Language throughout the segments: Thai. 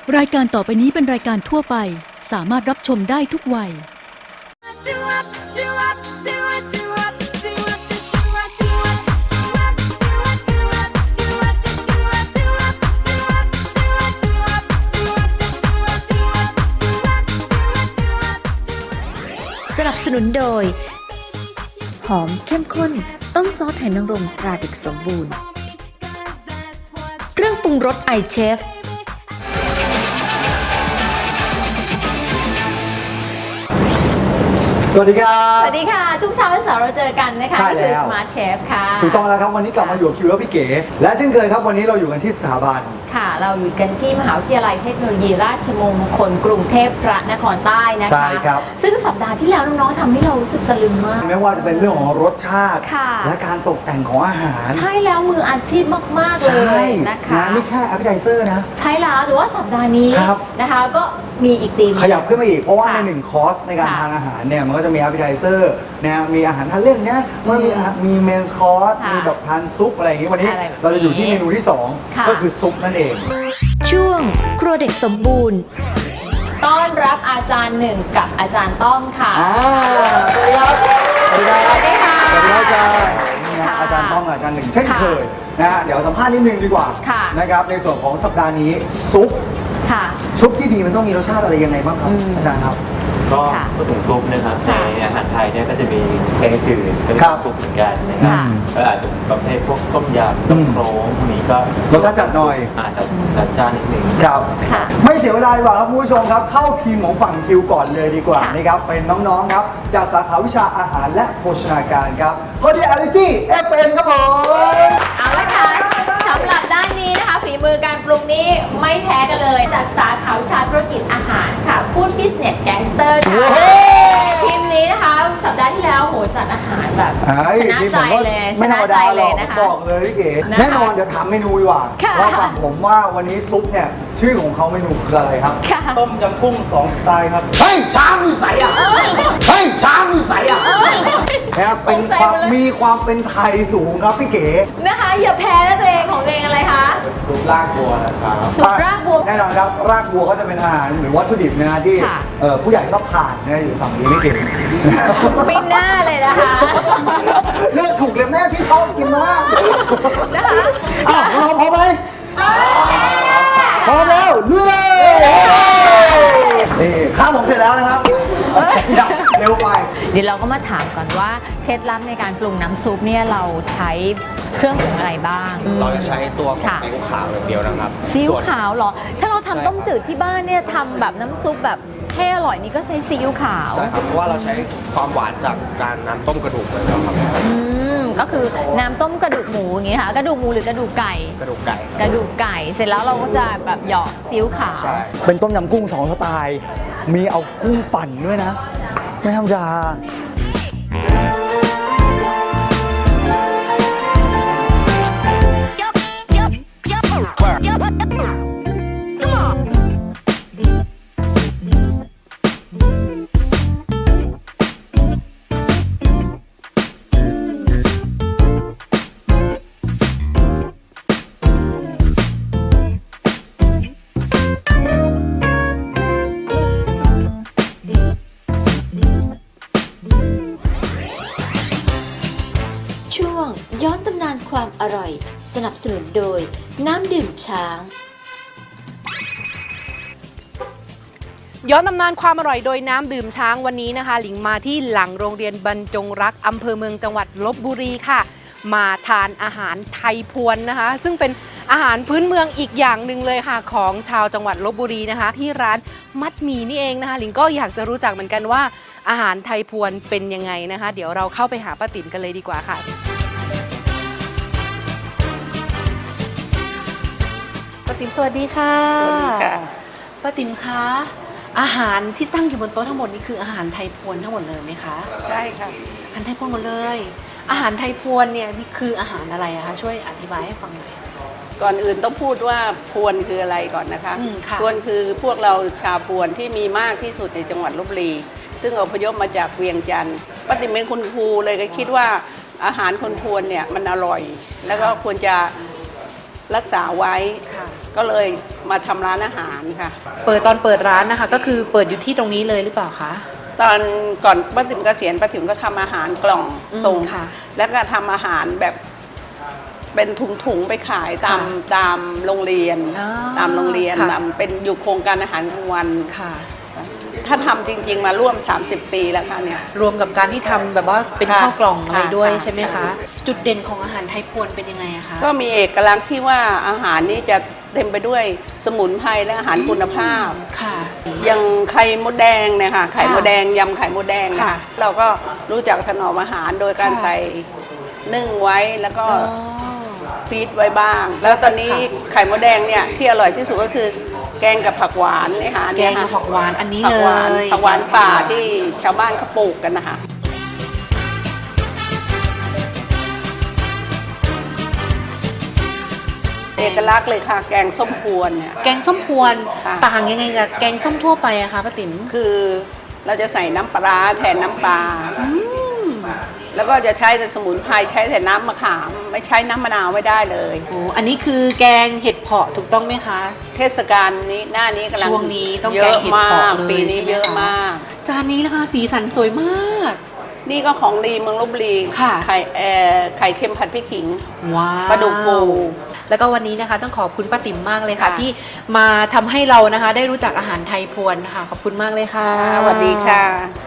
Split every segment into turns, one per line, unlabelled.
รายการต่อไปนี้เป็นรายการทั่วไปสามารถรับชมได้ทุกวัย
สนับสนุนโดยหอมเข้มข้นต้มซอสไหนางรมตราเด็กสมบูรณ์เครื่องปรุงรสไอเชฟ
สวัสดีครับ
สวัสดีค่ะ ทุกเช้าวันเสาร์เราเจอกันนะคะ
ใช่แล้ว
คือ Smart Chef ค่ะ
ถูกต้องแล้วครับวันนี้กลับมาอยู่กับคิวและพี่เก๋และเช่นเคยครับวันนี้เราอยู่กันที่สถาบัน
ค่ะ เราอยู่กันที่มหาวิทยาลัยเทคโนโลยีราชมงคลกรุงเทพพระนครใต้นะคะ
ใช่ครับ
ซึ่งสัปดาห์ที่แล้วน้องๆทำให้เรารู้สึกตะลึงมาก
ไม่ว่าจะเป็นเรื่องของรสชาติ
ค่ะ
และการตกแต่งของอาหาร
ใช่แล้วมืออาชีพมากๆเลยนะคะ
นี่แค่ appetizer นะ
ใช่แล้วหรือว่าสัปดาห์นี้
ครับ
นะคะก็มีอีกธีม
ขยับขึ้นมาอีกเพราะว่า
ค่ะ
ในหนึ่งคอร์สในการ
ค่ะ
ทานอาหารเนี่ยมันก็จะมี appetizer นะมีอาหารทานเล่นเนี่ยมันมีเมนคอร์ส
ค่ะ
มีแบบทานซุปอะไรอย่างงี้วันนี้
อะไรแบบนี้
เราจะอยู่ที่เมนูที่สอง
ค่ะ
ก็คือซุปนั่นเอง
ช่วงครัวเด็กสมบูรณ์
ต้อนรับอาจารย์หนึ่งกับอาจารย์ต้อมค่ะ
สวัสดีครับ สวัสดีครับ
สวัสดีค่ะ
สวัสดีครับอาจารย์นี่นะ
ค่ะ
อาจารย์ต้องกับอาจารย์หนึ่งเช่น
ค่ะ
เคยนะฮะเดี๋ยวสัมภาษณ์นิดนึงดีกว่า
ค่ะ
นะครับในส่วนของสัปดาห์นี้ซุป
ค่ะ
ซุปที่ดีมันต้องมีรสชาติอะไรยังไงบ้างครับอาจารย์ครับ
ก็
ค่ะ
พูดถึงซุปนะครับใน
ค่ะ
อาหารไทยเนี่ยก็จะมีแกงจืดเป็น
ครับ
ซุปเหมือนกันนะครับ
ค่ะ
ก็อาจจะประเภทพวกต้มยำต้มโครงพวกนี้ก็
รสชาติจัดหน่อย
อาจจะจัดจ้านนิดนึง
ครับ
ค่ะ
ไม่เสียเวลาดีกว่าครับคุณผู้ชมครับ เข้าทีมของฝั่งคิวก่อนเลยดีกว่า
ค่ะ
นะครับเป็นน้องๆครับจากสาขาวิชาอาหารและโภชนาการครับCordiality FM ครับผม
เอาละค่ะสำหรับด้านนี้นะคะฝีมือการปรุงนี้ไม่แพ้กันเลยจากสาขาวิชาธุรกิจอาหารค่ะ Food Business Gangster ค่ะ ทีมนี้นะคะสัปดาห์ที่แล้วโหจัดอาหารแบบ ชนะ
ทีม
ใจ
ผมก็
เลยช
ไม่ธร
นะ
รม
ใจ
ดาห
เล
รอย ก
นะคะ
บอกเลยพี่เก๋
นะคะ
แน่นอนเดี๋ยวถามเมนูดีกว่า
ค่ะ
เราฝั่งผมว่าวันนี้ซุปเนี่ยชื่อของเขาเมนูคืออะไรครับ
ค่ะ
ต้มยำกุ้ง2 สไตล์ครับ
เฮ้ยช้างมีใสอ่ะเฮ้ยช้างมีใสอ่ะนะครับเป็นความมีความเป็นไทยสูงครับพี่เก๋
นะคะอย่าแพ้นะตัวเองของตัวเองอะไรคะ
ซุปลากบัวนะครับ
สูตรรากบัว
แน่นอนครับรากบัวก็จะเป็นอาหารหรือวัตถุดิบนะฮะที่
ค่ะ
ผู้ใหญ่ชอบทานนะอยู่ฝั่งนี้ไม่เก่ง
ไม่น่าเลยนะคะ
เลือกถูกเลยแม่พี่ชอบกินมาก
นะคะ
อ้าวเราพร้อมไหมพร้อมแล้วลุยเลยนี่ข้าวผมเสร็จแล้วนะครับจับเร็วไป
เดี๋ยวเราก็มาถามก่อนว่าเคล็ดลับในการปรุงน้ำซุปเนี่ยเราใช้เครื่องปรุงอะไรบ้าง
เราจะใช้ตัวของ
ค่ะ
ซีอิ๊วขาวอย่างเดียวนะครับ
ซีอิ๊ว
ส่วน
ขาวเหรอ ถ้าเราทำ
ใช่
ต้มจืดที่บ้านเนี่ยทำแบบน้ำซุปแบบให้อร่อยนี่ก็ใช้ซีอิ๊วขาว
ใช่ครับ เพราะว่าเราใช้ความหวานจากการน้ำต้มกระดูกเลยนะครับ
ก็คือน้ำต้มกระดูกหมูอย่างงี้ค่ะ กระดูกหมูหรือกระดูกไก่
กระดูกไก่
กระดูกไก่ เสร็จแล้วเราก็จะแบบหยอกซีอิ๊วขาว
ใช่
เป็นต้มยำกุ้ง2 สไตล์ มีเอากุ้งปั่นด้วยนะ ไม่ธรรมดา
ช่วงย้อนตำนานความอร่อย สนับสนุนโดยน้ำดื่มช้าง
ย้อนตำนานความอร่อยโดยน้ำดื่มช้างวันนี้นะคะ หลิงมาที่หลังโรงเรียนบรรจงรักอำเภอเมืองจังหวัดลบบุรีค่ะ มาทานอาหารไทยพวนนะคะ ซึ่งเป็นอาหารพื้นเมืองอีกอย่างหนึ่งเลยค่ะ ของชาวจังหวัดลบบุรีนะคะ ที่ร้านมัดหมี่นี่เองนะคะ หลิงก็อยากจะรู้จักเหมือนกันว่าอาหารไทยพวนเป็นยังไงนะคะ เดี๋ยวเราเข้าไปหาป้าติ๋มกันเลยดีกว่าค่ะป้าติ๋มสวัสดีค่ะป้าติ๋มคะอาหารที่ตั้งอยู่บนโต๊ะทั้งหมดนี้คืออาหารไทยพวนทั้งหมดเลยไหมคะ
ใช่ค่ะ
อาหารไทยพวนหมดเลย อาหารไทยพวนเนี่ยนี่คืออาหารอะไรอะคะช่วยอธิบายให้ฟังหน่อย
ก่อนอื่นต้องพูดว่าพวนคืออะไรก่อนนะคะ
ค่ะ
พวนคือพวกเราชาวพวนที่มีมากที่สุดในจังหวัดลบบุรี ซึ่งอพยพมาจากเวียงจันทร์ป้าติ๋มเป็นคุณครูเลยก็คิดว่าอาหารคนพวนเนี่ยมันอร่อย แล้วก็ควรจะรักษาไว้
ค่ะ
ก็เลยมาทำร้านอาหารค่ะ
ตอนเปิดร้านนะคะก็คือเปิดอยู่ที่ตรงนี้เลยหรือเปล่าคะ
ตอนก่อนป้าติ๋มเกษียณป้าติ๋มก็ทำอาหารกล่องส่ง
ค่ะ
แล้วก็ทำอาหารแบบเป็นถุงๆไปขายตามโรงเรียน
อ๋อ
ตามโรงเรียน
ค่ะ
ตามเป็นอยู่โครงการอาหารกลางวัน
ค่ะ
ถ้าทำจริงๆมาร่วม 30 ปีแล้วค่ะเนี่ย
รวมกับการที่ทำแบบว่าเป็น
ค่ะ
ข้าวกล่องอะไรด้วย
ค่ะ
ใช่ไหมคะ จุดเด่นของอาหารไทยพวนเป็นยังไงอะคะ
ก็มีเอกลักษณ์ที่ว่าอาหารนี้จะเต็มไปด้วยสมุนไพรและอาหารคุณภาพ
ค่ะ
อย่างไข่มดแดงเนี่ยค่ะไข่มดแดงยำไข่มดแดง
ค่ะ
เราก็รู้จักถนอมอาหารโดยการ
ค่ะ
ใส่นึ่งไว้แล้วก็
อ๋อ
ฟีดไว้บ้าง แล้วตอนนี้
ค่ะ
ไข่มดแดงเนี่ยที่อร่อยที่สุดก็คือแกงกับผักหวานเลยค่ะ
แกงกับผักหวานอันนี้
ผั
เล
กหวาน
ย
ผักหวานป่าที่ชาวบ้านเขาปลูกกันนะคะเอกลักษณ์เลยค่ะ แกงส้มพวนเนี่ย
แกงส้มพวน
ค่ะ
ต่างยังไงกับแกงส้มทั่วไปอะคะป้าติ๋ม
คือเราจะใส่น้ำปลาร้าแทนน้ำปลาแล้วก็จะใช้แต่สมุนไพรใช้แต่น้ำมะขาม ไม่ใช้น้ำมะนาวไม่ได้เลย
โอ้อันนี้คือแกงเห็ดเผาะถูกต้องไหมคะ
เทศกาลนี้หน้านี้กำลัง
ช่วงนี้ต้อง
เย
แกง
อะ
เห็ด
มา
เผาะ
ก
เลย
ปีนี้
ใช่ไหม
เยอะ
คะ
มาก
จานนี้นะคะสีสันสวยมาก
นี่ก็ของดีเมืองลพบุรี
ค่ะ
ไข่เค็มผัดพริกขิง
ว้าว
ปลาดุกฟู
แล้วก็วันนี้นะคะต้องขอบคุณป้าติ๋มมากเลยค่ะ
ค่ะ
ที่มาทำให้เรานะคะ ได้รู้จักอาหารไทยพวนค่ะขอบคุณมากเลยค่ะ
สวัสดีค่ะ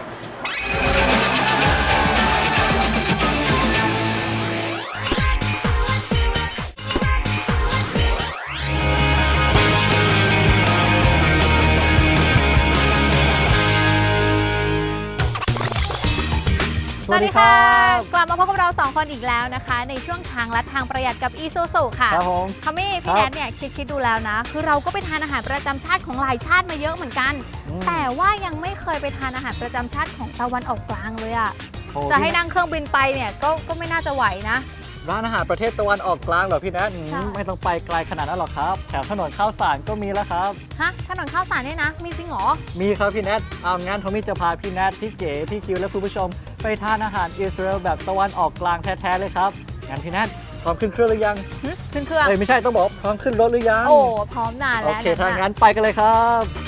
สวัสดีค่ะ กลับมาพบกับเรา 2 คนอีกแล้วนะคะ ในช่วงทางลัดทางประหยัดกับอีซูซูค่ะ
ครับผม
ทอมมี่พี่แนทเนี่ยคิดดูแล้วนะ คือเราก็ไปทานอาหารประจำชาติของหลายชาติมาเยอะเหมือนกัน แต่ว่ายังไม่เคยไปทานอาหารประจำชาติของตะวันออกกลางเลยอะ
โอ้
จะให้นั่งเครื่องบินไปเนี่ยก็ไม่น่าจะไหวนะ
ร้านอาหารประเทศตะวันออกกลางเหรอพี่แนท
ใช่
ไม่ต้องไปไกลขนาดนั้นหรอกครับ แถวถนนข้าวสารก็มีแล้วครับ
ฮะถนนข้าวสารเนี่ยนะ มีจริงเหรอ
มีครับพี่แนทเอางั้นทอมมี่จะพาพี่แนทพี่เก๋พี่คิวและคุณผู้ชม ไปทานอาหารอิสราเอลแบบตะวันออกกลางแท้ๆเลยครับงั้นพี่แนทพร้อมขึ้นเครื่องหรือยัง
ขึ้นเครื่อง
เอ้ยไม่ใช่ต้องบอกพร้อมขึ้นรถหรือยัง
โอ้พร้อมนาน
โอ
แล้ว
เคถ้า
นะ
งั้นไปกันเลยครับ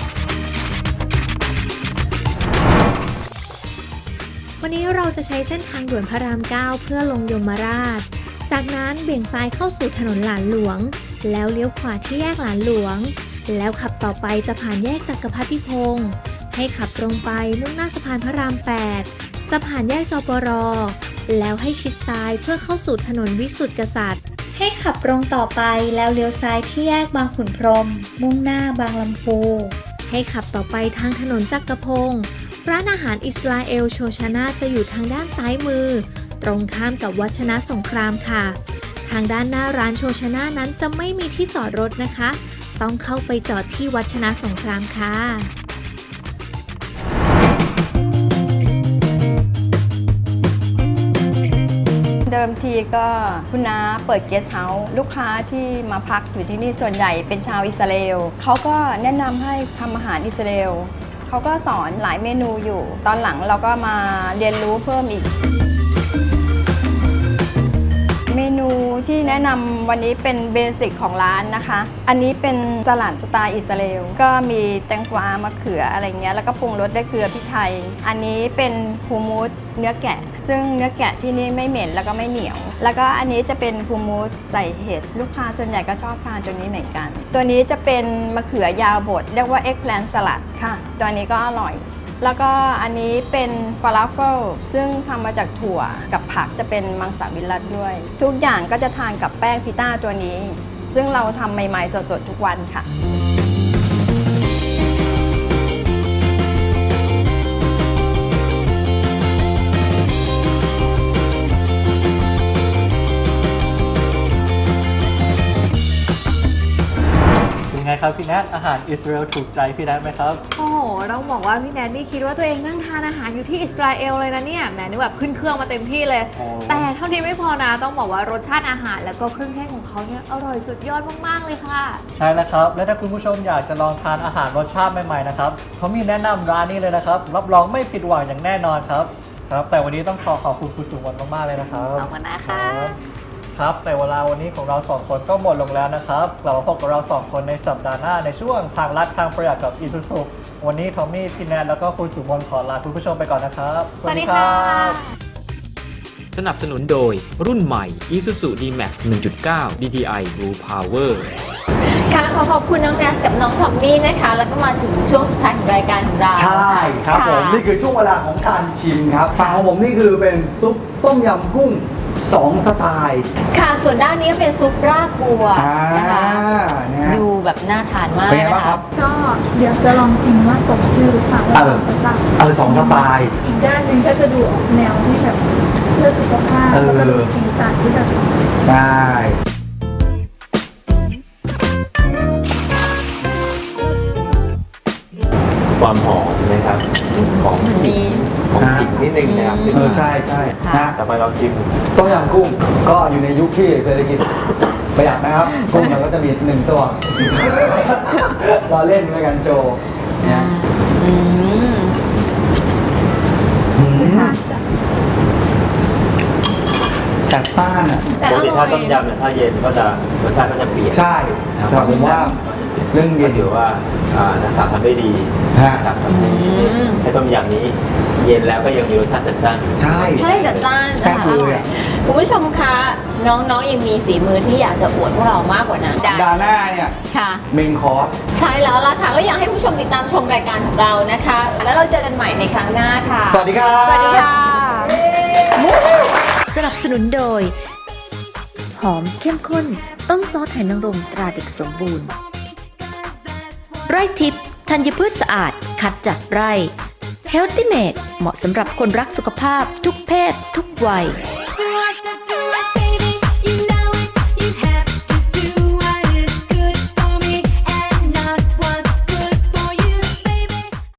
วันนี้เราจะใช้เส้นทางด่วนพระราม 9 เพื่อลงยมราช จากนั้นเบี่ยงซ้ายเข้าสู่ถนนหลานหลวง แล้วเลี้ยวขวาที่แยกหลานหลวง แล้วขับต่อไปจะผ่านแยกจักรพรรดิพงศ์ให้ขับตรงไปมุ่งหน้าสะพานพระราม 8 จะผ่านแยกจปร แล้วให้ชิดซ้ายเพื่อเข้าสู่ถนนวิสุทธิกษัตริย์ ให้ขับตรงต่อไปแล้วเลี้ยวซ้ายที่แยกบางขุนพรหมมุ่งหน้าบางลำพู ให้ขับต่อไปทางถนนจักรพงศ์ร้านอาหารอิสราเอลโชชานาจะอยู่ทางด้านซ้ายมือ ตรงข้ามกับวัชนะสงครามค่ะ ทางด้านหน้าร้านโชชนานั้นจะไม่มีที่จอดรถนะคะ ต้องเข้าไปจอดที่วัชนะสงครามค่ะ
เดิมทีก็คุณน้าเปิดเกสต์เฮาส์ลูกค้าที่มาพักอยู่ที่นี่ส่วนใหญ่เป็นชาวอิสราเอลเขาก็แนะนำให้ทำอาหารอิสราเอลเขาก็สอนหลายเมนูอยู่ ตอนหลังเราก็มาเรียนรู้เพิ่มอีก เมนูที่แนะนำวันนี้เป็นเบสิกของร้านนะคะ อันนี้เป็นสลัดสไตล์อิสราเอลก็มีแตงกวามะเขืออะไรเงี้ยแล้วก็ปรุงรสด้วยเกลือพริกไทย อันนี้เป็นฮูมูสเนื้อแกะ ซึ่งเนื้อแกะที่นี่ไม่เหม็นแล้วก็ไม่เหนียว แล้วก็อันนี้จะเป็นฮูมูสใส่เห็ดลูกค้าส่วนใหญ่ก็ชอบทานตัวนี้เหมือนกัน ตัวนี้จะเป็นมะเขือยาวบดเรียกว่าเอ็กแพลนสลัดค่ะ ตัวนี้ก็อร่อย แล้วก็อันนี้เป็นฟาลาเฟิลซึ่งทำมาจากถั่วกับผักจะเป็นมังสวิรัติด้วย ทุกอย่างก็จะทานกับแป้งพิต้าตัวนี้ ซึ่งเราทำใหม่ๆสดๆทุกวันค่ะ
เป็นไงครับพี่แนทอาหารอิสราเอลถูกใจพี่แนทไหมครับ
โอ้โหต้องบอกว่าพี่แนนนี่คิดว่าตัวเองนั่งทานอาหารอยู่ที่อิสราเอลเลยนะเนี่ยแหมนึกแบบขึ้นเครื่องมาเต็มที่เลย
โอ้
แต่เท่านี้ไม่พอนะต้องบอกว่ารสชาติอาหารแล้วก็เครื่องเทศของเขาเนี่ยอร่อยสุดยอดมากๆเลยค่ะ
ใช่แล้วครับ และถ้าคุณผู้ชมอยากจะลองทานอาหารรสชาติใหม่ๆนะครับเขามีแนะนำร้านนี้เลยนะครับ รับรองไม่ผิดหวังอย่างแน่นอนครับ ครับ แต่วันนี้ต้องขอบคุณคุณสุวรรณมากๆเลยนะครับ
ขอบคุณนะคะ
รับครับแต่เวลาวันนี้ของเรา2คนก็หมดลงแล้วนะครับเรามาพบกับเรา2คนในสัปดาห์หน้าในช่วงทางลัดทางประหยัดกับอีซูซุวันนี้ทอมมี่พี่แนนแล้วก็คุณสุมนขอลาคุณผู้ชมไปก่อนนะครับ
สวัสดีค่ะ
สนับสนุนโดยรุ่นใหม่ Isuzu D-Max 1.9 DDI Blue Power
ค่ะขอบคุณน้องแนสกับน้องทอมมี่นะคะแล้วก็มาถึงช่วงสุดท้ายของรายการของเรา
ใช่ครับผมนี่คือช่วงเวลาของการชิมครับฝั่งของผมนี่คือเป็นซุปต้มยำกุ้ง2 สไตล์
ค่ะส่วนด้านนี้เป็นซุปรากบัวนะคะ
นะฮะ
ดูแบบน่าทานมาก
เป็นไง
นะ
บ้างค
คะ
รับ
ก็เดี๋ยวจะลองจริงว่าสมชื่อหรือเปล่าว่าสำหรับ
2 สไตล์
อีกด้านหนึ่งก็จะดูออกแนวที่แบบเพื่อสุขภาพแล้วก็ดูสีสันที่แบบ
ใช่
ความหอมนะครับของพริกของพริกนิดนึงนะครับ
ใช่ใช่นะ
ต่อไปเราชิม
ต้มยำกุ้งก็อยู่ในยุคที่เศรษฐกิจประหยัดนะครับ กุ้งเราก็จะมี1 ตัว เราเล่นในการโชว์นะแซ่บซ่านอ่ะ
ปกติถ้าต้มยำเนี่ยถ้าเย็นก็จะรสชาติก็จะเปลี่ยน
ใช่แต่ผมว่าเรื่องเย็น
ก็ถือว่านักศึกษาทำได้ดีนะครับให้ต้มยำนี้เย็นแล้วก็ยังมีรสชาติจัดจ้านอยู่
ใช่
ให้จัดจ้าน
แซ่บเลยอะ
คุณผู้ชมคะน้องๆยังมีฝีมือที่อยากจะอวดพวกเรามากกว่านั้น
ดาหน้าเนี่ย
ค่ะ
เมนคอร์ส
ใช่แล้วล่ะค่ะก็อยากให้ผู้ชมติดตามชมรายการของเรานะคะ แล้วเราเจอกันใหม่ในครั้งหน้าค่ะ
สวัสดีครับ
สวัสดีค่ะ
สนับสนุนโดย หอมเข้มข้นต้มซอสไหหนางรมตราเด็กสมบูรณ์ ไร่ทิพย์ธัญพืชสะอาดคัดจากไร่ Healthy Made เหมาะสำหรับคนรักสุขภาพทุกเพศทุกวัย